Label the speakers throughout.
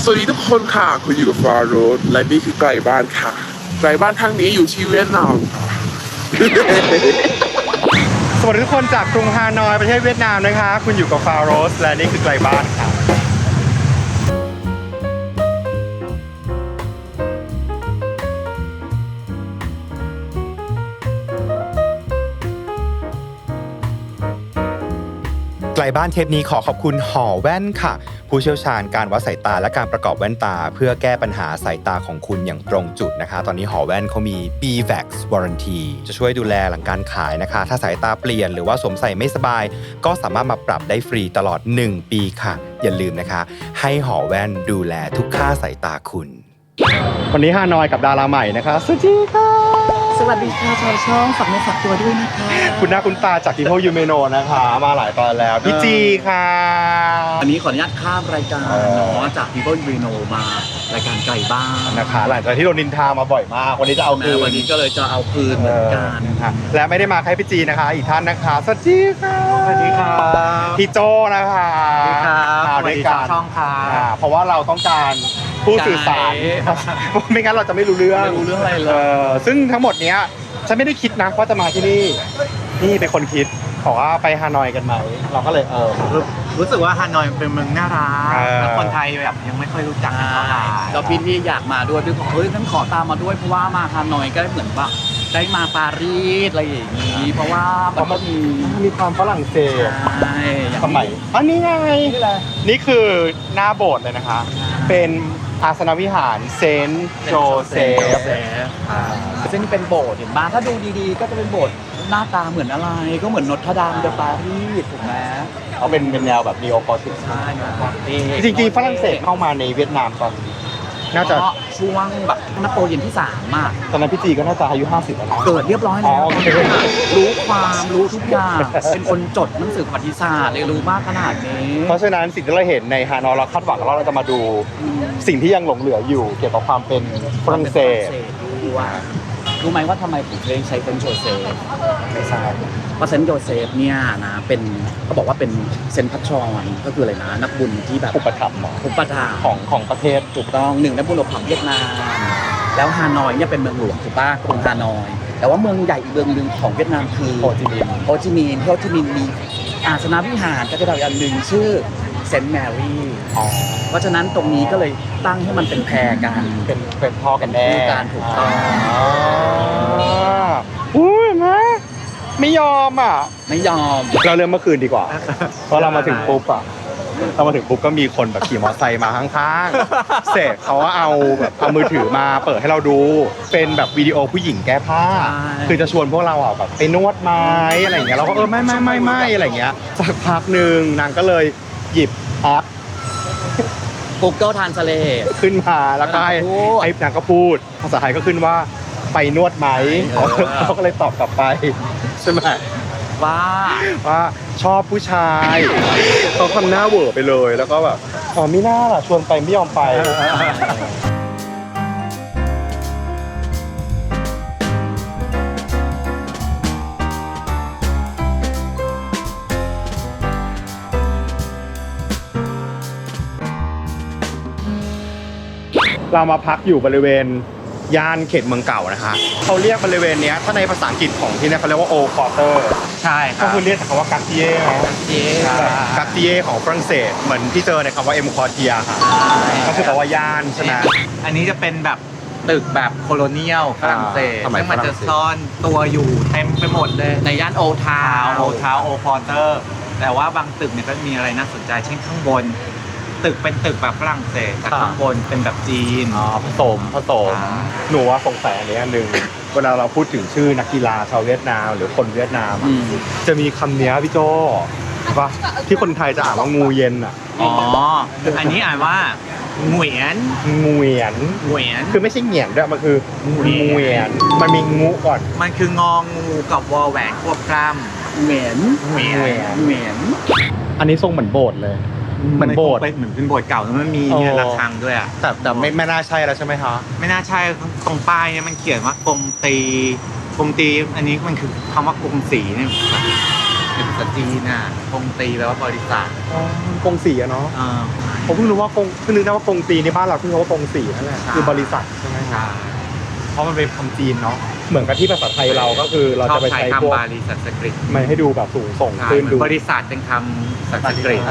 Speaker 1: สวัสดีทุกคนค่ะคุณอยู่กับฟาโรสและนี่คือไกลบ้านค่ะไกลบ้านทางนี้อยู่ที่เวียดนามค่ะ
Speaker 2: สวัสดีทุกคนจากกรุงฮานอยประเทศเวียดนามนะคะคุณอยู่กับฟาโรสและนี่คือไกลบ้านครับไกลบ้านเทปนี้ขอขอบคุณหอแว่นค่ะผู้เชี่ยวชาญการวัดสายตาและการประกอบแว่นตาเพื่อแก้ปัญหาสายตาของคุณอย่างตรงจุดนะคะตอนนี้หอแว่นเขามี BVAX Warranty จะช่วยดูแลหลังการขายนะคะถ้าสายตาเปลี่ยนหรือว่าสวมใส่ไม่สบายก็สามารถมาปรับได้ฟรีตลอด1 ปีค่ะอย่าลืมนะคะให้หอแว่นดูแลทุกค่าสายตาคุณวันนี้ฮานอยกับดาราใหม่นะคะสวัสดีค่ะ
Speaker 3: สวัสดีค่ะชาวช่องฝากเนื้อฝากตัวด้วยนะคะ
Speaker 2: คุณหน้าคุณตาจาก People You May Know นะคะมาหลายตอนแล้วพี่จีค่ะ
Speaker 3: วันนี้ขออนุญาตข้ามรายการเนาะจาก People You Know มารายการไก่บ้าน
Speaker 2: นะคะหลังจากที่โดนนินทามาบ่อยมากวันนี้จะเอาคืน
Speaker 3: วันนี้ก็เลยจะเอาคืนเหมือนกัน
Speaker 2: นะคะและไม่ได้มาแค่พี่จีนะคะอีกท่านนะคะสวัสดีค่ะ
Speaker 3: สวัสดีครับ
Speaker 2: พี่โจนะคะ
Speaker 3: สวัสดีครับ
Speaker 2: สวัสดีครับ
Speaker 3: ช่องค่ะ
Speaker 2: เพราะว่าเราต้องการผู้สื่อสารไม่งั้นเราจะไม่รู้เรื่อง
Speaker 3: อะไรเลย
Speaker 2: ซึ่งทั้งหมดเนี้ยฉันไม่ได้คิดนะว่าจะมาที่นี่นี่เป็นคนคิดบอกว่าไปฮานอยกันไหมเราก็เลย
Speaker 3: รู้สึกว่าฮานอยเป็นเมืองน่ารักแล้วคนไทยแบบยังไม่ค่อยรู้จักกันเท่าไหร่แล้วพี่อยากมาด้วยพี่บอกเฮ้ยงั้นขอตามมาด้วยเพราะว่ามาฮานอยก็เหมือนแบบได้มาปารีสอะไรอย่างนี้เพราะว่ามัน
Speaker 2: มีความฝรั่งเศส
Speaker 3: ใช่
Speaker 2: สมัยอันนี้ไงนี่คือหน้าโบสถ์เลยนะคะเป็นอาสนวิหารเซนต์โจเซฟ
Speaker 3: ซึ่งเป็นโบสถ์เห็นบ้านถ้าดูดีๆก็จะเป็นโบสถ์หน้าตาเหมือนอะไรก็เหมือนนอตรดามเดปารีสถูกไหม
Speaker 2: เขาเป็นแนวแบบนีโอคอติก
Speaker 3: ใช่
Speaker 2: จริงๆฝรั่งเศสเข้ามาในเวียดนามตอนน่าจะ
Speaker 3: ช่วงแบบนโปเลียนที่3มาก
Speaker 2: ตอนนั้นพี่จีก็น่าจะอายุ50แล้ว
Speaker 3: เกิดเรียบร้อยแล้วรู้ความรู้ทุกอย่างเป็นคนจดหนังสือประวัติศาสตร์เลยรู้มากขนาดนี้
Speaker 2: เพราะฉะนั้นสิ่งที่เราเห็นในฮานอยเราคาดหวังว่าเราจะมาดูสิ่งที่ยังหลงเหลืออยู่เกี่ยวกับความเป็นฝรั่งเศส
Speaker 3: รู้ไหมว่าทำไมผมถึงใช้เซนต์โจเซฟไม่ทราบเพราะเซนต์โจเซฟเนี่ยนะเป็นเขาบอกว่าเป็นเซนต์พัชชรก็คืออะไรนะนักบุญที่แบบ
Speaker 2: อุปถัมภ์ของประเทศ
Speaker 3: ถูกต้อง1นักบุญอุปถัมภ์เวียดนามแล้วฮานอยเนี่ยเป็นเมืองหลวงถูกป่ะกรุงฮานอยแต่ว่าเมืองใหญ่อีกเมืองนึงของเวียดนามคือ
Speaker 2: โฮจิมินห์
Speaker 3: มีอาสนวิหารก็จะดาวอันหนึ่งชื่อเซนต์แมรี่เพราะฉะนั้นตรงนี้ก็เลยตั้งให้มันเป็นแพรกัน
Speaker 2: เป็นพ่อกันแน่
Speaker 3: การถูกต้อง
Speaker 2: อุ้ยไม่ยอม
Speaker 3: ไม่ยอม
Speaker 2: เราเริ่มเมื่อคืนดีกว่าเพราะเรามาถึงปุ๊บก็มีคนแบบขี่มอเตอร์ไซค์มาข้างๆเสร็จเขาว่าเอามือถือมาเปิดให้เราดูเป็นแบบวิดีโอผู้หญิงแก้ผ้าคือจะชวนพวกเราแบบไปนวดไม้อะไรอย่างเงี้ยเราก็ไม่อะไรอย่างเงี้ยสักพักหนึ่งนางก็เลยหยิบแอป
Speaker 3: Google Translate
Speaker 2: ขึ้นมาแล้วก็ให้นางก็พูดภาษาไทยก็ขึ้นว่าไปนวดไหมเขาก็เลยตอบกลับไปใช่ไหมว่าชอบผู้ชายเขาทำหน้าเหวอไปเลยแล้วก็แบบไม่น่าล่ะชวนไปไม่ยอมไปเรามาพักอยู่บริเวณย่านเขตเมืองเก่านะคะเขาเรียกบริเวณนี้ถ้าในภาษาอังกฤษของที่นี่เขาเรียกว่าโอคอร์เตอร์
Speaker 3: ใช่ครับ
Speaker 2: ก็คือเรียกจากคำว่ากัตติเย่กัตติเย่ของฝรั่งเศสเหมือนที่เจอในคำว่าเอ็มคอร์เทียค่ะก็คือแปลว่าย่านใช่ไหม
Speaker 4: อันนี้จะเป็นแบบตึกแบบโคโลเนียลฝรั่งเศสซึ่งมันจะซ่อนตัวอยู่เต็มไปหมดเลย
Speaker 3: ในย่านโอทาว
Speaker 4: โอคอร์เตอร์แต่ว่าบางตึกเนี่ยก็มีอะไรน่าสนใจเช่นข้างบนตึกเป็นตึกแบบฝรั่งเศสแต่ข้างบนเป็นแบบจีน
Speaker 2: ผสมหนูว่าสงสัยอันนี้อันหนึ่งเวลาเราพูดถึงชื่อนักกีฬาชาวเวียดนามหรือคนเวียดนามจะมีคำนี้พี่โจว่าที่คนไทยจะอ่านว่างูเย็น
Speaker 4: อันนี้อ่านว่าเหวียนคือ
Speaker 2: ไม่ใช่เหงียนด้วยมันคือเหวียนมันมีงูก่อน
Speaker 4: มันคืององูกับวอแหวนควบกล้ำ
Speaker 3: เหวียน
Speaker 2: อันนี้ทรงเหมือนโบสถ์เลยเหมือนโบสถ์
Speaker 4: เหมือนเป็นโบสถ์เก่าแล้วมันมีเนี่ยระฆังด้วย
Speaker 2: แต่ไม่น่าใช่แล้วใช่ไหมคะ
Speaker 4: ไม่น่าใช่ตรงป้ายเนี่ยมันเขียนว่ากรมตีอันนี้มันคือคำว่ากรมศรีเนี่ยเป็นภาษาจีนน่ะกงตีแปลว่าบริษัท
Speaker 5: กงสีอะเนาะผมเพิ่งรู้ว่ากงเพิ่งนึกได้ว่ากงตีในบ้านเราเพิ่งรู้ว่ากงสีนั่นแหละคือบริษัทใช่ไหมครับเพราะมันเป็นคำจีนเนาะเหมือนกับที่ภาษาไทยเราก็คือเรา
Speaker 4: ชอ
Speaker 5: จะ
Speaker 4: บ
Speaker 5: ไป
Speaker 4: ใช้
Speaker 5: ใช้พวก
Speaker 4: คำบาลีสันสกฤต
Speaker 5: มันให้ดูแบบสูงส่ง
Speaker 4: ใช่
Speaker 5: ขึ้น
Speaker 4: เหมือ
Speaker 5: ดู
Speaker 4: นบริษัทเป็นคำสันสกฤต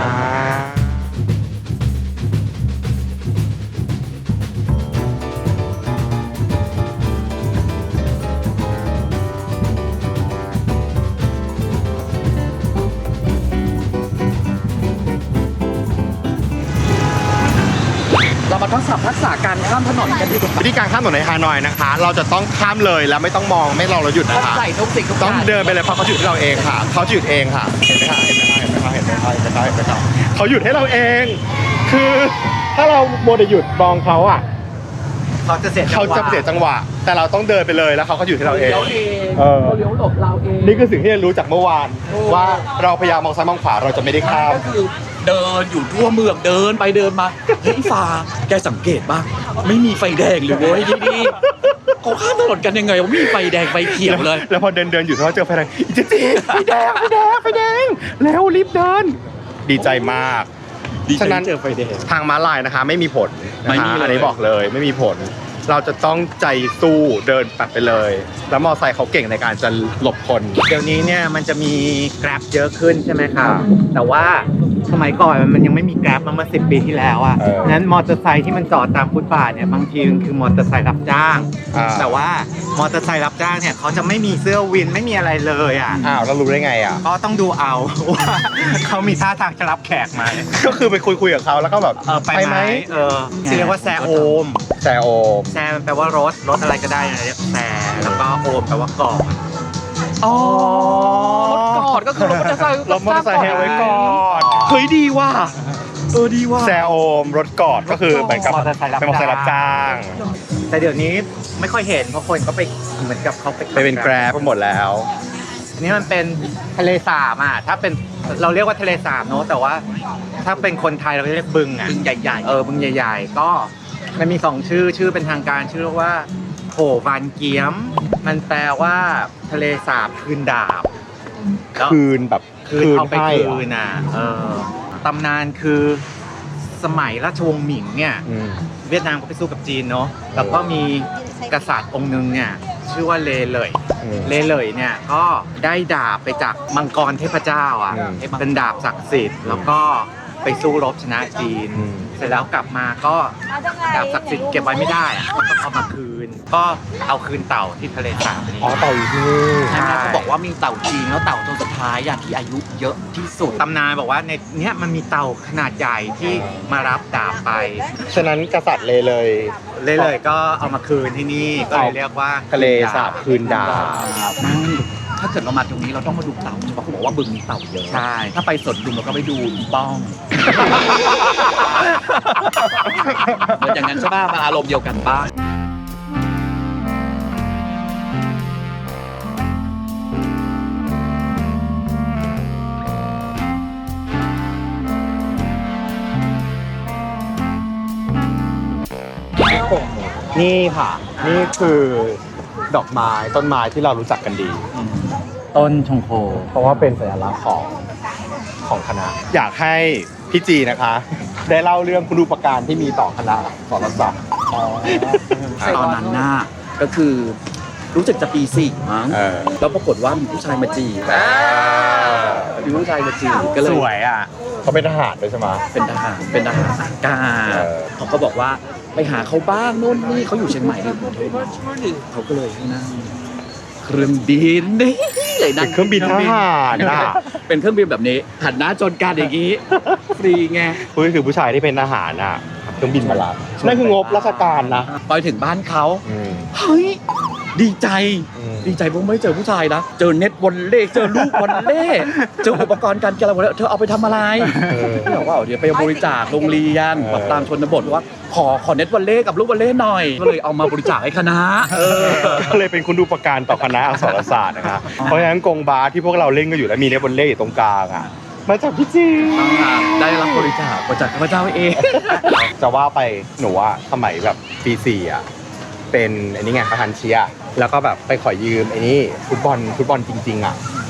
Speaker 3: เรามาทดสอบทักษะการข้ามถนนกันดีกว่า
Speaker 5: วิธีการข้ามถนนในฮานอยนะคะ เราจะต้องข้ามเลยแล้วไม่ต้องมองไม่รอเราหยุด
Speaker 3: ต้อ
Speaker 5: นะ
Speaker 3: ง
Speaker 5: คะ
Speaker 3: ใส่ทุกสิ่งทุกอ
Speaker 5: ต้อง
Speaker 3: ย่าง
Speaker 5: เดินไปเลยเพราะเขาหยุดให้เราเองค่ะเขาหยุดเองค่ะเห็นไหมคะเห็นไหมคะเห็นไหมคะเห็นไหมคะเห็นไหมคะเห็นไหมคะเห็นไหมคะเขาหยุดให้เราเอง คือถ้าเราโมเดลหยุดมองเขาอ่ะ
Speaker 4: เขาจะเสียจัง
Speaker 5: เขา
Speaker 4: หวะ
Speaker 5: จะเสียจังหวะ แต่เราต้องเดินไปเลยแล้วเขาก็หยุดให้เราเอง
Speaker 3: เลี้ยวเอง
Speaker 5: เออ
Speaker 3: เขาเลี้ยวหลบเราเอง
Speaker 5: นี่คือสิ่งที่เรารู้จากเมื่อวาน ว่าเราพยายามมองซ้ายมองขวาเราจะไม่ได้ข้าม
Speaker 3: ก็คือเดินอยู่ทั่วเมืองเดินไปเดินมาเฮ้ยฟ้าแกสังเกตบ้างไม่มีไฟแดงเลยเว้ยที่นี่เขาข้ามถนนกันยังไงวะไม่มีไฟแดงไฟเขียวเลย
Speaker 5: แล้วพอเดินอยู่เขาเจอไฟแดงอีเจ๊ไฟแดงไฟแดงไฟแดงเร็วรีบเดิน ดีใจมาก ฉะนั้น
Speaker 3: เจอไฟแดง
Speaker 5: ทางม้าลายนะคะไม่มีผล
Speaker 3: ไม่
Speaker 5: นะคะ
Speaker 3: มีเลย
Speaker 5: อันนี้บอกเลยไม่มีผล เราจะต้องใจสู้เดินปัดไปเลย แล้วมอไซค์เขาเก่งในการจะหลบคน
Speaker 4: เดี๋ยวนี้เนี่ยมันจะมี Grab เยอะขึ้นใช่ไหมครับแต่ว่าสมัยก่อนมันยังไม่มี Grab มาเมื่อ10 ปีที่แล้วอ่ะ
Speaker 5: เออ
Speaker 4: นั้นมอเตอร์ไซค์ที่มันจอดตามฟุตบาทเนี่ยบางทีมันคือมอเตอร์ไซค์รับจ้าง แต่ว่ามอเตอร์ไซค์รับจ้างเนี่ยเขาจะไม่มีเสื้อวินไม่มีอะไรเลยอ่ะ
Speaker 5: อ้าวแล้วรู้ได้ไงอ่ะ
Speaker 4: ก็ต้องดูเอา ว่าเขามีท่าทางจะรับแขกไหม
Speaker 5: ก็คือไปคุยกับเขาแล้วก็แบบ
Speaker 4: ไปไหมที่เรียกว่าแซโอม
Speaker 5: แซโอม
Speaker 4: แซมันแปลว่ารถอะไรก็ได้นะเรียกแซแล้วก็โอมแปลว่ากอด
Speaker 3: อ๋อรถกอดก็คือรถมอเตอร์ไซค์
Speaker 5: รถมอเตอร์ไซค์ให้ไว้ก่อน
Speaker 3: เฮ้ยดีว่ะดีว่ะ
Speaker 5: แซโอมรถกอดก็คือเหมือนกับ
Speaker 4: มอเตอร์ไซค์รับ
Speaker 5: เป็นมอเตอร์ไซค์รับจ้าง
Speaker 4: แต่เดี๋ยวนี้ไม่ค่อยเห็นเพราะคนก็ไปเหมือนกับเขาไป
Speaker 5: ไปเป็นแกร็บไปหมดแล้ว
Speaker 4: อันนี้มันเป็นทะเลสาบอ่ะถ้าเป็นเราเรียกว่าทะเลสาบเนอะแต่ว่าถ้าเป็นคนไทยเราเรียกบึงอ่ะ
Speaker 3: บึงใหญ่ๆ
Speaker 4: บึงใหญ่ ๆ ก็มันมี2ชื่อเป็นทางการชื่อว่าโผวานเกียม มันแปลว่าทะเลสาบคืนดาบแล้ว
Speaker 5: คืนแบบ
Speaker 4: คืนเอาไป
Speaker 5: ให้
Speaker 4: คืนน่ะตำนานคือสมัยราชวงศ์หมิงเนี่ย
Speaker 5: อืม
Speaker 4: เวียดนามก็ไปสู้กับจีนเนาะแล้วก็มีกษัตริย์องค์หนึงเนี่ยชื่อว่าเลเหลย
Speaker 5: อืม
Speaker 4: เลเหลยเนี่ยก็ได้ดาบไปจากมังกรเทพเจ้าอ่ะ
Speaker 5: อืม
Speaker 4: เป็นดาบศักดิ์สิทธิ์แล้วก็ไปสู้รบชนะจีน
Speaker 5: อืม
Speaker 4: เสร็จแล้วกลับมาก็ดาบศักดิ์สิทธิ์เก็บไว้ไม่ได้อะก็ต้องเอามาคืน ก็เอาคืนเต่าที่ทะเลสาบนี้
Speaker 5: อ๋อเต่าอยู่ที่นี่
Speaker 3: ใช่ไหมเขาบอกว่ามีเต่าจีนแล้วเต่าตัวสุดท้ายอย่างที่อายุเยอะที่สุด
Speaker 4: ตำนานบอกว่าในเนี้ยมันมีเต่าขนาดใหญ่ที่มารับดาบไป
Speaker 5: ฉะนั้นกษัตริย์เลย
Speaker 4: เลยก็เอามาคืนที่นี่ก็เลยเรียกว่า
Speaker 5: ทะเลสาบคืนดาบ
Speaker 3: ถ้าเกิดเรามาตรงนี้เราต้องมาดูเต่าใช่ปะเขาบอกว่าบึงมีเต่าเยอะ
Speaker 4: ใช่
Speaker 3: ถ้าไปสวนดุมเราก็ไปดูอีป้องเหมือนอย่างนั้นใช่ป่ะมันอารมณ์เดียวกันบ้าง
Speaker 5: นี่ค่ะ นี่คือดอกไม้ต้นไม้ที่เรารู้จักกันดี
Speaker 3: ต้นชงโค
Speaker 5: เพราะว่าเป็นสัญลักษณ์ของคณะ อยากให้พี่จีนะคะ ได้เล่าเรื่องคุณูปการที่มีต่อคณะสรศาสตร์
Speaker 3: ตอนนั้นน่ะก็คือรู้สึกจะปี 4 มั้ง แล้วปรากฏว่ามีผู้ชายมาจีบมีผู้ชายมาจีบก็เลย
Speaker 5: สวยอ่ะเขาเป็นทหารด้วยใช่ไหม
Speaker 3: เป็นทหารอากาศ
Speaker 5: เออ
Speaker 3: เขาก็บอกว่าไปหาเขาบ้างโน่นนี่เขาอยู่เชียงใหม่ในกรุงเทพเขาก็เลยนั่งเครื่องบินนี่เลยนั่
Speaker 5: เป็นเครื่องบินทหารน่ะ
Speaker 3: เป็นเครื่องบินแบบนี้หันหน้าจนกันอย่างนี้ฟรีไง
Speaker 5: นี่คือผู้ชายที่เป็นทหารน่ะเครื่องบินมารับนั่นคืองบราชการนะ
Speaker 3: ไปถึงบ้านเขา
Speaker 5: อืม
Speaker 3: เฮ้ยดีใจ
Speaker 5: อืม
Speaker 3: ดีใจเพราะไม่เจอผู้ชายนะเจอเน็ตวอลเล่เจอลูกวอลเล่เจออุปกรณ์การกีฬาวอลเล่เธอเอาไปทำอะไรพี่บอกว่าเดี๋ยวไปบริจาคโรงเรียนแบบตามชนบทว่าขอเน็ตวอลเล่กับลูกวอลเล่หน่อยก็เลยเอามาบริจาคให้คณะ
Speaker 5: ก็เลยเป็นคุณดูประการต่อคณะอักษรศาสตร์นะคะเพราะฉะนั้นกงบาสที่พวกเราเล่นกันอยู่แล้วมีเนบอลเล่อยู่ตรงกลางอ่ะมาจากพี่จี
Speaker 3: ได้รับบริจาคมาจากข้าพเจ้าเอง
Speaker 5: จะว่าไปหนูอะสมัยแบบปี4อ่ะเป็นอันนี้ไงประธานเชียร์แล้วก็แบบไปขอยืมไอ้นี่ฟุตบอลจริงๆอ่ะ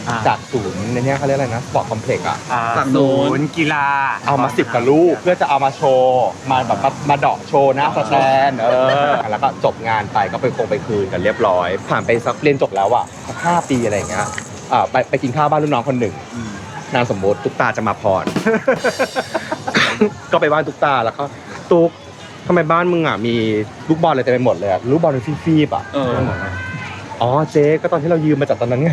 Speaker 5: จากศูนย์ในเนี้ยเขาเรียกอะไรนะสปอร์ตคอมเพล็กซ์อ่ะ
Speaker 3: ฝั่งโน้น
Speaker 4: กีฬา
Speaker 5: เอามา10กับลูกเพื่อจะเอามาโชว์มาแบบมาเดาะโชว์หน้าสแตนแล้วก็จบงานไปก็ไปคืนกันเรียบร้อย ผ่านไปสักเรียนจบแล้วอ่ะ5 ปีอะไรอย่างเงี้ยไปกินข้าวบ้านรุ่นน้องคนหนึ่งนามสมมติตุ๊กตาจะมาพร ก็ไปบ้านตุ๊กตาแล้วก็ตุ๊กทำไมบ้านมึงอ่ะมีลูกบอลอะไรเต็มไปหมดเลยลูกบอลเป็นฟีบๆอ่ะอ๋อเจ๊ก็ตอนที่เรายืมมาจากตอนนั้นไง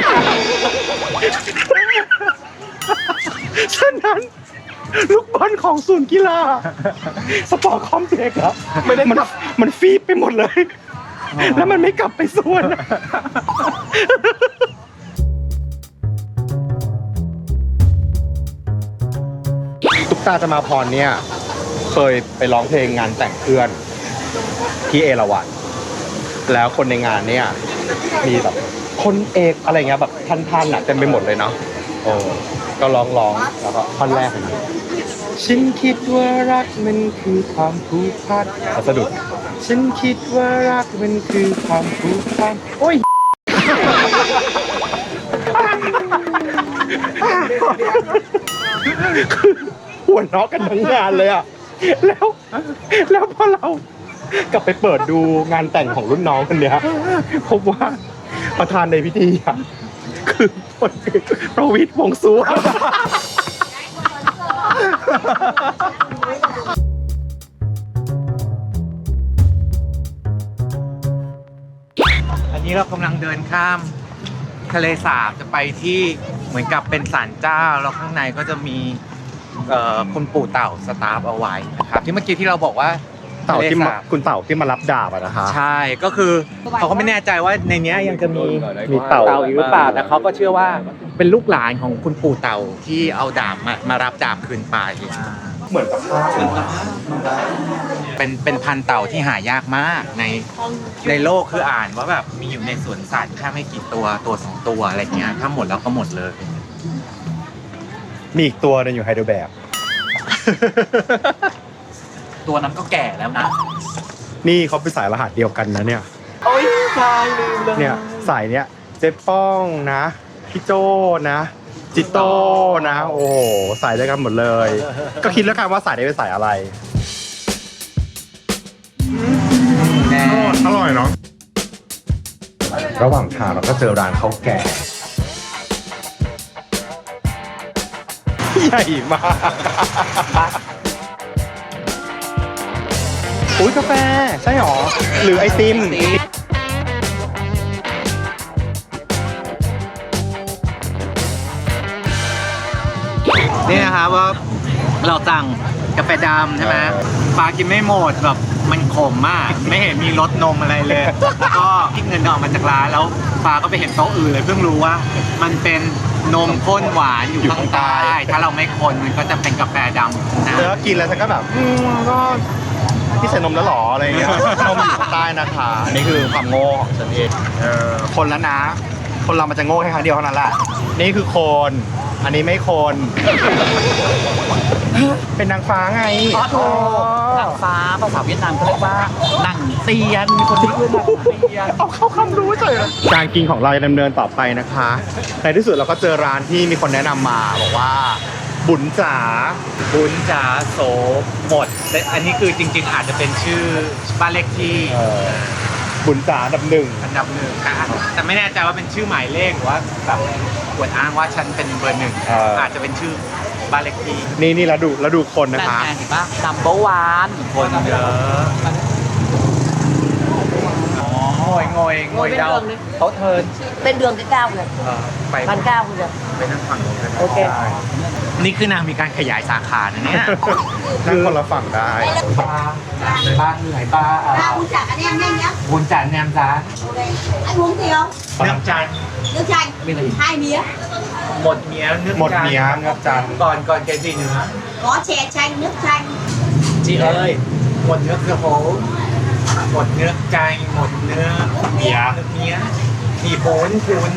Speaker 5: ฉะนั้นลูกบอลของศูนย์กีฬาสปอร์ตคอมเพล็กซ์อะมันฟีบไปหมดเลย แล้วมันไม่กลับไปส่วนตุ๊กตาจะมาพรเนี่ยเคยไปร้องเพลงงานแต่งเพื่อนที่เอราวัณแล้วคนในงานเนี่ยมีแบบคนเอกอะไรเงี้ยแบบท่านๆอะเต็มไปหมดเลยเนาะก็ร้องแล้วก็ท่อนแรกเลยฉันคิดว่ารักมันคือความผูกพันสะดุดฉันคิดว่ารักมันคือความผูกพันโอ้ยคือหัวเราะกันทั้งงานเลยอ่ะแล้วพอเรากลับไปเปิดดูงานแต่งของรุ่นน้องคนเนี้ยพบว่าประธานในพิธีอ่ะคือพลเอกประวิตรวงษ์สุวรรณ
Speaker 4: อันนี้เรากำลังเดินข้ามทะเลสาบจะไปที่เหมือนกับเป็นศาลเจ้าแล้วข้างในก็จะมีคุณปู่เต่าสตาฟเอาไว้นะครับที่เมื่อกี้ที่เราบอกว่า
Speaker 5: เต่าที่มา
Speaker 4: ทะเลสบ
Speaker 5: คุณเต่าที่มารับดาบอะนะคะ
Speaker 4: ใช่ก็คือเขาก็ไม่แน่ใจว่าในเนี้ยยังจะมี
Speaker 5: เต่า
Speaker 4: อีกหรือเปล่าแต่เขาก็เชื่อว่าเป็นลูกหลานของคุณปู่เต่าที่เอาดาบมารับดาบคืนไป
Speaker 5: เหมือนกับภาพ
Speaker 4: เป็นพันธุ์เต่าที่หายากมากในโลกคืออ่านว่าแบบมีอยู่ในสวนสัตว์แค่ไม่กี่ตัว2 ตัวอะไรเงี้ยถ้าหมดแล้วก็หมดเลย
Speaker 5: มีอีกตัวนึงอยู่ไฮเดรแบก
Speaker 3: ตัวนั้นก็แก่แล้วนะ
Speaker 5: นี่เขาเป็นสายรหัสเดียวกันนะเนี่ย
Speaker 3: โอ้ยใช่ลืมเลย
Speaker 5: เนี่ยสายเนี้ยเจ๊ป้องนะพี่โจนะจิโต้นะโอ้โหสายเดียวกันหมดเลย ก็คิดแล้วกันว่าสายนี้เป็นสายอะไร
Speaker 4: แน่
Speaker 5: อร่อยเนาะระหว่างทางเราก็เจอร้านข้าวแกงใหญ่มากอุ้ยกาแฟใช่หรอหรือไอติม
Speaker 4: นี่นะครับว่าเราสั่งกาแฟดำใช่ไหมปลากินไม่หมดแบบมันขมมากไม่เห็นมีรสนมอะไรเลยแล้วก็คิดเงินออกมาจากร้านแล้วปลาก็ไปเห็นโต๊ะอื่นเลยเพิ่งรู้ว่ามันเป็นนมข้นหวานอยู่ข้างใต้ถ้าเราไม่คนมันก็จะเป็นกาแฟดำนะ
Speaker 5: แล้วกินแล้วฉันก็แบบก็พี่ใส่นมแล้วหรออะไรเงี้ย นมอยู่ข้างใต้นะคะอันนี้คือความโง่ของฉันเองคนแล้วนะ คนเรามันจะโง่แค่ครั้งเดียวเท่านั้นแหละนี่คือคนอันนี้ไม่คน เป็นนางฟ้าไง
Speaker 3: อ๋อโถนางฟ้าภาษาเวียดนามเขาเรียกว่าหนังเตียนมีคนที่เรียกว่าหนังเตียน
Speaker 5: เอาเข้าคำรู้เฉยการกินของเราจะดำเนินต่อไปนะคะในที่สุดเราก็เจอร้านที่มีคนแนะนำมาบอกว่าบุญจ๋า
Speaker 4: บุญจ๋าโสหมดแต่อันนี้คือจริงๆอาจจะเป็นชื่อบ้านเลขที่
Speaker 5: บุญจ๋าอันดับหนึ่ง
Speaker 4: อันดับ1นะแต่ไม่แน่ใจว่าเป็นชื่อหมายเลขหรือว่าแบบอวดอ้างว่าฉันเป็นเบอร์ 1อาจจะเป็นชื่อบ้านเลขที่
Speaker 5: นี่แล้วดูคนนะคะ
Speaker 3: นั่นไงเห็นปะนัมเบอร์วัน
Speaker 4: คนเยอะงอยเดาเขาเทิร์น
Speaker 6: bên đường cái cao kìa
Speaker 4: ไป
Speaker 6: bàn cao kìa
Speaker 4: ไปนั่งฝั่งนู้นกัน
Speaker 6: โอเค
Speaker 4: นี่คือนางมีการขยายสาขานะเนี่ย
Speaker 5: นั่งคนละฝั่งได้
Speaker 4: บ้านเหนื่อยบ้า
Speaker 6: ba uống chả anh em nhanh nhá
Speaker 4: บุญจันแนมจ้า
Speaker 6: ok anh uống gì không
Speaker 4: เนื้อจัน
Speaker 6: nước chanh 2 mía
Speaker 4: หมดเมียเนื้อ
Speaker 5: หมดเมียเงือกจันทร์
Speaker 4: ก่อนแกจีเนื้อ
Speaker 6: có chè chanh nước chanh
Speaker 4: จีเอ้ยหมดเนื้อคือโหหมดเนื้อใจหมดเนื้อเมียมีปุ้น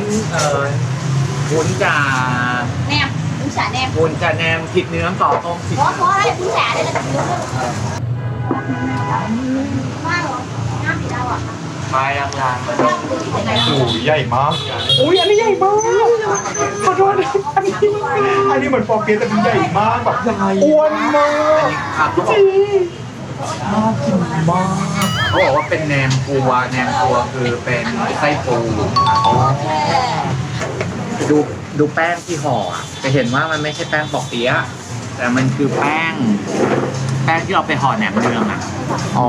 Speaker 4: จ่า
Speaker 6: nem uống chả nem
Speaker 4: ปุ้นจ่าแนมผิดเนื้อต่อต้มผิด
Speaker 6: có đấy uống chả đây là thịt nướng đấy hoa rồi nam thì đâu ạ
Speaker 4: ปลายลางๆมาดู
Speaker 5: โอ้ยใหญ่มากอุ้ยอันนี้ใหญ่มากขอโทษอันนี้เหมือนฟอร์เกสแต่มันใหญ่มากแบบอ้วนมาก
Speaker 4: ครับเขาบอกน่ากินมากเขาบอกว่าเป็นแหนมปูแหนมปูคือเป็นไส้ปูดูแป้งที่ห่ออะจะเห็นว่ามันไม่ใช่แป้งปอกเปี๊ยะแต่มันคือแป้งที่เราไปห่อแหนมเนืองอ่ะ
Speaker 5: อ๋อ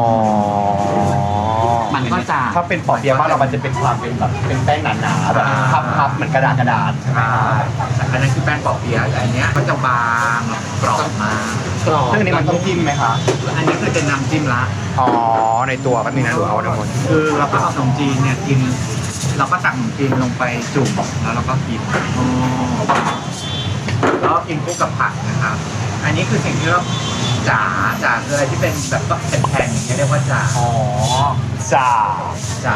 Speaker 4: มันก็จะ
Speaker 5: ถ้าเป็นปอเปี๊ยะบ้านเรามันจะเป็นความเป็นแบบเป็นแป้งหนาๆแบบพับๆเหมือนกระดาษใช่ไหม
Speaker 4: อันนั้นคือแป้งปอกเปี๊ยะแต่อันเนี้ยก็จะบางกรอบมาก
Speaker 5: ซึ่งอันนี้มันต้องจิ้มไหมคะ
Speaker 4: อันนี้คือเป็นน้ำจิ้มละ
Speaker 5: อ๋อในตัวแป๊บนึงนะหนูเอาทั้งหมด
Speaker 4: คือเราก็เอาขนมจีนเนี่ยกิน เราก็ตักขนมจีนลงไปจุ่มแล้วเราก็กินแล้วก็กินคู่กับผักนะครับ อันนี้คือสิ่งที่เราจ๋าคืออะไรที่เป็นแบบก็แผ่นๆอย่างเงี้ยเรียกว่าจ๋า
Speaker 5: อ๋อจ่า
Speaker 4: จ๋า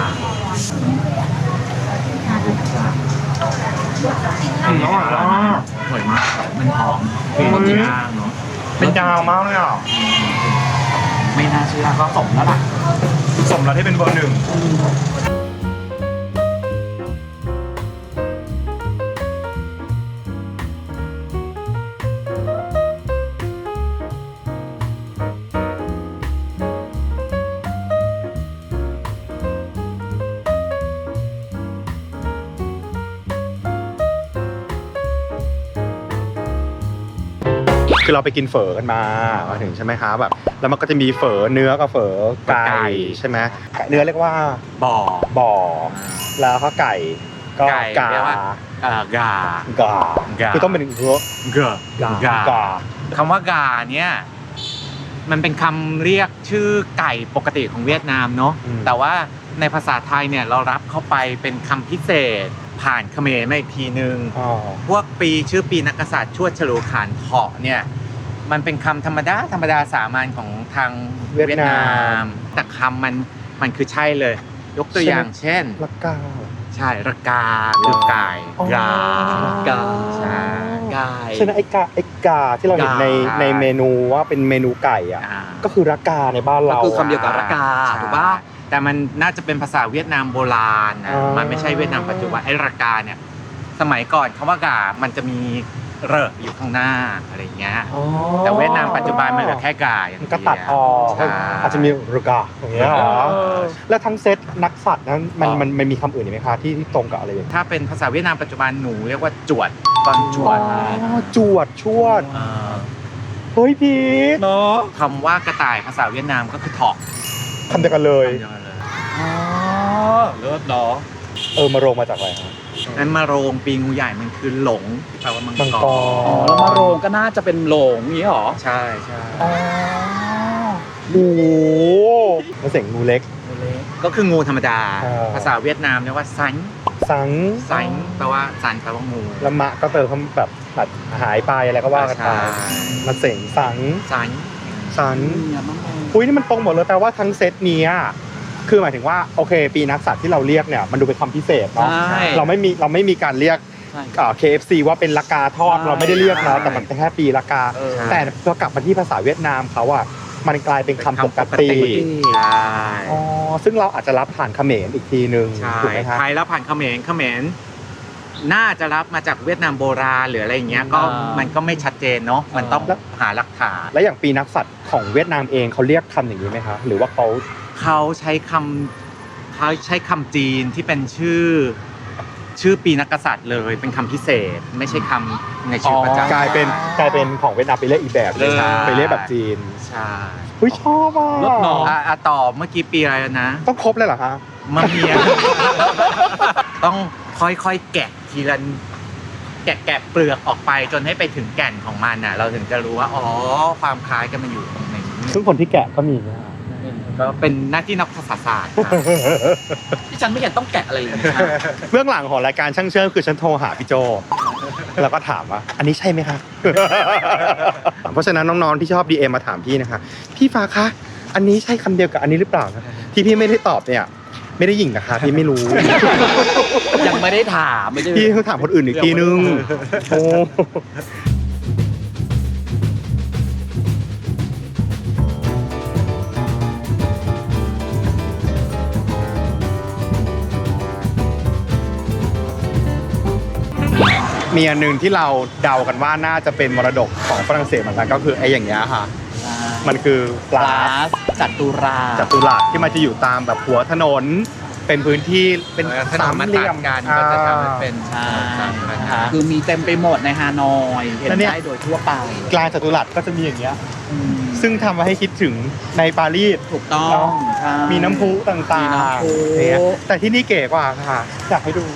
Speaker 5: อร่อยมาก
Speaker 4: อร่อยมากมันหอมเป็นย่างเนาะ
Speaker 5: เป็นดาวมากเลยอ่ะ
Speaker 4: ไม่น่าเชื่อก็สมแล้วล่ะ
Speaker 5: สมแล้วที่เป็นเบอร์หนึ่ง คือเราไปกินเฝอกันมาถึงใช่ไหมคะแบบแล้วมันก็จะมีเฝอเนื้อกับเฝอไก่ใช่ไหมเนื้อเรียกว่า
Speaker 4: บ่อ
Speaker 5: แล้วก็ไก่ก็
Speaker 4: ไก่
Speaker 5: กา
Speaker 4: เรียกว่า กา
Speaker 5: กา
Speaker 4: กา
Speaker 5: คือต้องเป็นเนื้อ
Speaker 4: กาคำว่ากาเนี่ยมันเป็นคำเรียกชื่อไก่ปกติของเวียดนามเนาะแต่ว่าในภาษาไทยเนี่ยเรารับเข้าไปเป็นคำพิเศษผ่านเขมรมาอีกทีนึง
Speaker 5: อ๋อ
Speaker 4: พวกชื่อปีนักกษัตริย์ชวดฉลูขานเถาะเนี่ยมันเป็นคำธรรมดาสามัญของทางเวียดนามแต่คำมันคือใช่เลย ยกตัวอย่างเช่น
Speaker 5: ละกา
Speaker 4: ใช่ระกาคือไก่
Speaker 5: อ๋อ
Speaker 4: กา
Speaker 3: กา
Speaker 4: ใช่
Speaker 3: กาย
Speaker 5: ใช่ไหมไอ้กาที่เราเห็นใน
Speaker 4: กา
Speaker 5: ในเมนูว่าเป็นเมนูไก่อ่ะ
Speaker 4: อ่า
Speaker 5: ก็คือระกาในบ้าน
Speaker 3: ก็
Speaker 5: เรา
Speaker 3: คือคำเดียวกับระกา
Speaker 4: ใช่
Speaker 3: ถูกปะ
Speaker 4: แต่มันน่าจะเป็นภาษาเวียดนามโบราณนะ
Speaker 5: อ๋อ
Speaker 4: มันไม่ใช่เวียดนามปัจจุบันไอ้ระกาเนี่ยสมัยก่อนคำว่ากามันจะมีเรออยู่ข้างหน้าอะไรอย่างเงี้ย
Speaker 5: อ๋อ
Speaker 4: แต่เวียดนามปัจจุบันมันเหลือแค่กาอย่าง
Speaker 5: มัน
Speaker 4: เดียว
Speaker 5: ก็ตัดออก
Speaker 4: ใช่
Speaker 5: อาจจะมีระกาอย่างเงี้ยเหรอแล้วทั้งเซตนักสัตว์นั้นมันมีคำอื่นอีกไหมคะที่ตรงกับอะไรอย่างเงี้ย
Speaker 4: ถ้าเป็นภาษาเวียดนามปัจจุบันหนูเรียกว่าจวดตอนจวด
Speaker 5: จวดชวดเฮ้ยพีท
Speaker 3: เนาะ
Speaker 4: คำว่ากระต่ายภาษาเวียดนามก็คือถอก
Speaker 5: คำเดียวกันเลย
Speaker 3: อ๋อเลิศเนาะ
Speaker 5: มาโรงมาจากอะไรฮะ
Speaker 4: นั้นมาโรงปีงูใหญ่มันคือหลงที่แปลว่ามัง
Speaker 5: มัง
Speaker 4: ก
Speaker 5: ก
Speaker 4: ร
Speaker 5: ร
Speaker 3: อ๋อแล้วมาโรงก็น่าจะเป็นโหลงอย่างนี้หรอ
Speaker 4: ใช่ใช่
Speaker 5: โอ้โหมันเสียงงูเล็ก
Speaker 4: ก็คืองูธรรมดา
Speaker 5: อ๋อ
Speaker 4: ภาษาเวียดนามเรียกว่าซัน
Speaker 5: สัง
Speaker 4: ซันแปลว่าซันแปลว่างู
Speaker 5: ละมะก็เติมคำแบบหายไปอะไรก็ว่ากันไป
Speaker 4: ใช่
Speaker 5: มาเสียงสัง
Speaker 4: ซัน
Speaker 5: สันอุ้ยนี่มันตรงหมดเลยแปลว่าทั้งเซตเนี้ยคือหมายถึงว่าโอเค ปีนักสัตว์ที่เราเรียกเนี่ยมันดูเป็นคำพิเศษเนาะ
Speaker 3: ใช่
Speaker 5: เราไม่มีการเรียก
Speaker 3: ใช่
Speaker 5: KFC ว่าเป็นละกาทอด
Speaker 3: ใช่
Speaker 5: เราไม่ได้เรียกเนาะแต่มันเป็นแค่ปีละกา
Speaker 3: เออ
Speaker 5: แต่พอกลับมาที่ภาษาเวียดนามเขาอะมันกลายเป็นคำปกติ
Speaker 4: ใช่
Speaker 5: อ๋อซึ่งเราอาจจะรับผ่านเขมรอีกทีนึง
Speaker 4: ใช่
Speaker 5: ถูกไหมครับ
Speaker 4: ไทยแล้วผ่านเขมรน่าจะรับมาจากเวียดนามโบราณหรืออะไรอย่างเงี้ยก็
Speaker 3: อ่ามั
Speaker 4: มันก็ไม่ชัดเจนเนาะมันต้องหาหลักฐาน
Speaker 5: แล้วอย่างปีนักสัตว์ของเวียดนามเองเขาเรียกคำอย่างนี้ไหมคะหรือว่าเขา
Speaker 4: เขาใช้คำจีนที่เป็นชื่อปีนักกษัตริย์เลยเป็นคำพิเศษ ไม่ใช่คำในชื่อพระเจ้าก
Speaker 5: ลายเป็นของเวียดนามไปเรียกอีกแบบหนึง
Speaker 4: ใช่
Speaker 5: ไปเรียกแบบจีน
Speaker 4: ใช่
Speaker 5: เฮ้ยชอบอ่ะ
Speaker 3: รถหนอ
Speaker 4: ต่อเมื่อกี้ปีอะไรแล้วนะ
Speaker 5: ต้องครบเลยเหรอคะ
Speaker 4: มะเมีย ต้องค่อยๆแกะทีละแกะเปลือกออกไปจนให้ไปถึงแก่นของมันน่ะ เราถึงจะรู้ว่าอ๋อความคล้ายกันมันอยู่ตรงไหน
Speaker 5: ซึ่งคนที่แกะก็มีนะ
Speaker 4: ก็เป็นหน้าที่นักภาษาศาสตร์ครับ
Speaker 3: ที่ฉันไม่เห็นต้องแกะอะไรเลยนะ
Speaker 5: เบื้องหลังของรายการช่างเชื่อมคือฉันโทรหาพี่โจแล้วก็ถามว่าอันนี้ใช่ไหมคะ เพราะฉะนั้นน้องๆที่ชอบ DM มาถามพี่นะคะพี่ฟ้าคะอันนี้ใช่คำเดียวกับอันนี้หรือเปล่านะที่พี่ไม่ได้ตอบเนี่ยไม่ได้หยิ่งนะคะพี่ไม่รู้
Speaker 3: ยังไม่ได้ถามไม่ได้
Speaker 5: พี่ต้องถามคนอื่นอีกทีนึงโอ้มีอันหนึ่งที่เราเดากันว่าน่าจะเป็นมรดกของฝรั่งเศสเหมือนกันก็คือไอ้อย่างเงี้ยค่ะ มันคือปลา
Speaker 3: จัตุรา
Speaker 5: จัตุรัสที่มันจะอยู่ตามแบบหัวถนน เป็นพื้นที่เป็น
Speaker 4: ถนนมันตัดกันก็จะทำให้เป็น
Speaker 3: ใช่
Speaker 5: นะคะ
Speaker 3: คือมีเต็มไปหมดในฮานอยเห็น
Speaker 5: แล้วเนี่ย
Speaker 3: ได้โดยทั่วไป
Speaker 5: กลางจัตุรัสก็จะมีอย่างเงี้ย
Speaker 3: อืม
Speaker 5: ซึ่งทำมาให้คิดถึงในปารีส
Speaker 3: ถูกต้อง
Speaker 5: เนาะ
Speaker 3: ใช่
Speaker 5: มีน้ำพุต่าง
Speaker 3: มีน้ำพุ
Speaker 5: ๆเนี่ยแต่ที่นี่เก๋กว่าค่ะ อยากให้ดู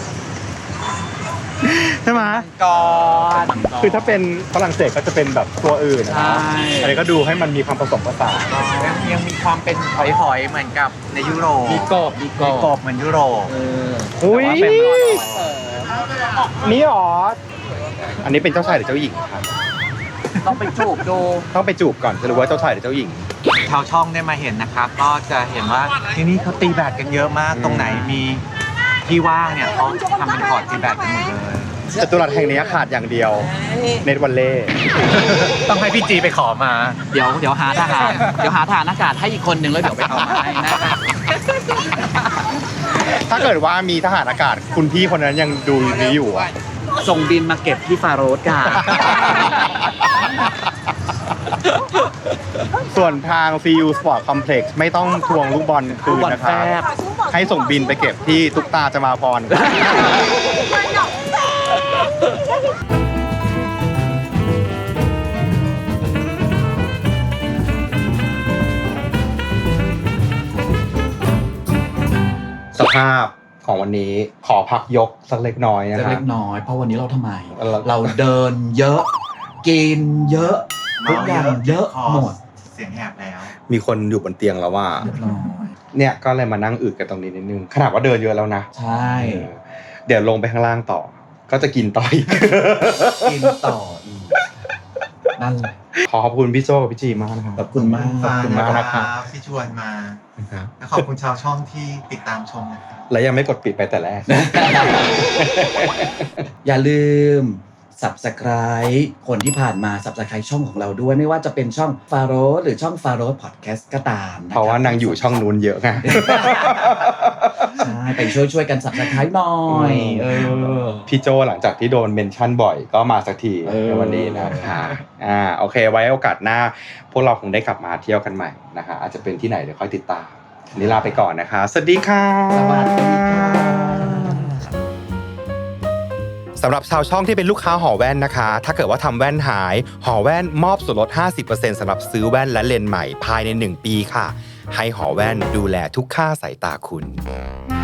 Speaker 5: ใช่ไหม
Speaker 3: ก่อน
Speaker 5: คือถ้าเป็นฝรั่งเศสก็จะเป็นแบบตัวอื่นนะ
Speaker 3: ใช่
Speaker 5: อันนี้ก็ดูให้มันมีความผสมผสาน
Speaker 4: ยังมีความเป็นหอยๆเหมือนกับในยุโรป
Speaker 3: มีกบ
Speaker 4: มีกบเหมือนยุโรป
Speaker 5: อุ้ย
Speaker 4: แต่ว่าเป็นหอย
Speaker 5: นี่หรอ อันนี้เป็นเจ้าชายหรือเจ้าหญิงครับ
Speaker 3: ต้องไปจูบดู
Speaker 5: ต้องไปจูบก่อนจะรู้ว่าเจ้าชายหรือเจ้าหญิง
Speaker 4: ชาวช่องได้มาเห็นนะครับ ก็จะเห็นว่าที่นี่เขาตีแบดกันเยอะมาก ตรงไหนมีที่ว่างเนี่ยเขาทำเป็นคอร์ตตีแบดกันหมดเลย
Speaker 5: จัตุรัสแห่งนี้ขาดอย่างเดียว เนตวันเล่
Speaker 4: ต้องให้พี่จีไปขอมา
Speaker 3: เดี๋ยวหาทหารอากาศให้อีกคนนึงแล้วเดี๋ยวไปเอามาให้นะคะ
Speaker 5: ถ้าเกิดว่ามีทหารอากาศคุณพี่คนนั้นยังดูนี้อยู่อะ
Speaker 3: ส่งบินมาเก็บที่ฟาโรสกัน
Speaker 5: ส่วนทาง CU Sport Complex ไม่ต้องทวงลูกบอลคืนนะครับ ให้ส่งบินไปเก็บที่ตุ๊กตาจะมาพร สภาพของวันนี้ขอพักยกสักเล็กน้อยนะ
Speaker 3: จะ
Speaker 5: ครั
Speaker 3: เล็
Speaker 5: บ
Speaker 3: กน้อย เพราะวันนี้เราทำไม
Speaker 5: เรา
Speaker 3: เราเดินเยอะ กินเยอะ ทุกอย่างเยอะหมด
Speaker 4: เสียงแหบแล้ว
Speaker 5: มีคนอยู่บนเตียงแล้วว่า
Speaker 3: เรียบร้อย
Speaker 5: เนี่ยก็เลยมานั่งอึกันตรงนี้นิดนึงขนาดว่าเดินเยอะแล้วนะ
Speaker 3: ใช่
Speaker 5: เดี๋ยวลงไปข้างล่างต่อ ก็จะกินต่ออีก
Speaker 3: กินต่ออีกนั่นแหละ
Speaker 5: ขอขอบคุณพี่โจกับพี่จีมากนะครับ
Speaker 3: ขอบคุณมาก
Speaker 5: ขอบคุณมากนะครับ
Speaker 7: ที่ชวนมา
Speaker 5: นะครับ
Speaker 7: และขอบคุณชาวช่องที่ติดตามชมนะครับ
Speaker 5: และยังไม่กดปิดไปแต่แรก
Speaker 3: อย่าลืม Subscribe คนที่ผ่านมา Subscribe ช่องของเราด้วย ไม่ว่าจะเป็นช่องฟาโรสหรือช่องฟาโรสพอดแคสต์ก็ตามนะคบ
Speaker 5: เพราะว่านางอยู่ช่องนู้นเยอะไง
Speaker 3: ใช่ไปช่วยกัน Subscribe หน่อย
Speaker 5: พี่โจหลังจากที่โดนเมนชั่นบ่อยก็มาสักที
Speaker 3: เออ
Speaker 5: ในวันนี้นะคะโอเค ไว้โอกาสหน้า พวกเราคงได้กลับมาเที่ยวกันใหม่นะคะอาจจะเป็นที่ไหนเดี๋ยวค่อยติดตามวันนี้ลาไปก่อนนะคะ สวัสดีค่ะ
Speaker 3: สวัสดีค่ะ
Speaker 2: สำหรับชาวช่องที่เป็นลูกค้าหอแว่นนะคะ ถ้าเกิดว่าทำแว่นหายหอแว่นมอบส่วนลด 50% สำหรับซื้อแว่นและเลนส์ใหม่ภายใน 1 ปีค่ะ ให้หอแว่นดูแลทุกค่าสายตาคุณ